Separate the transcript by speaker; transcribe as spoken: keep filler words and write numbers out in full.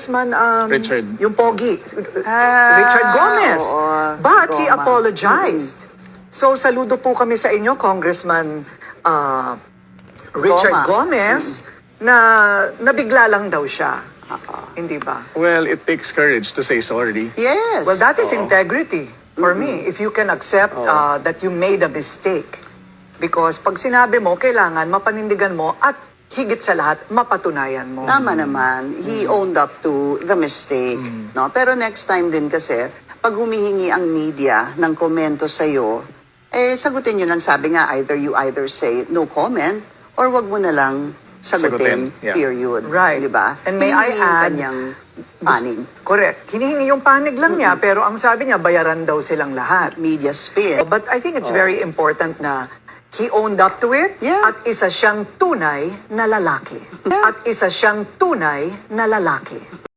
Speaker 1: Congressman um,
Speaker 2: Richard.
Speaker 1: yung Pogi,
Speaker 3: Ah,
Speaker 1: Richard Gomez.
Speaker 3: oo,
Speaker 1: But he
Speaker 3: Goma.
Speaker 1: apologized. So saludo po kami sa inyo, Congressman uh, Richard
Speaker 3: Goma.
Speaker 1: Gomez, na nabigla lang daw siya. Hindi ba?
Speaker 2: Well, it takes courage to say sorry.
Speaker 3: Yes.
Speaker 1: Well, that is
Speaker 3: Oo.
Speaker 1: integrity for me. If you can accept uh, that you made a mistake. Because pag sinabi mo, kailangan mapanindigan mo at higit sa lahat, mapatunayan mo.
Speaker 3: Tama naman. He owned up to the mistake. No? Pero next time din kasi, pag humihingi ang media ng komento sa'yo, eh, sagutin nyo lang. Sabi nga, either you either say no comment or wag mo na lang sagutin,
Speaker 2: Sagutin, yeah.
Speaker 3: period.
Speaker 1: Right.
Speaker 3: Diba?
Speaker 1: And may I
Speaker 3: Hinihingi yung
Speaker 1: add-
Speaker 3: kanyang panig.
Speaker 1: Correct. Hinihingi yung panig lang niya, pero ang sabi niya, bayaran daw silang lahat.
Speaker 3: Media spin.
Speaker 1: But I think it's very important na he owned up to it
Speaker 3: Yeah.
Speaker 1: at isa siyang tunay na lalaki. At isa siyang tunay na lalaki.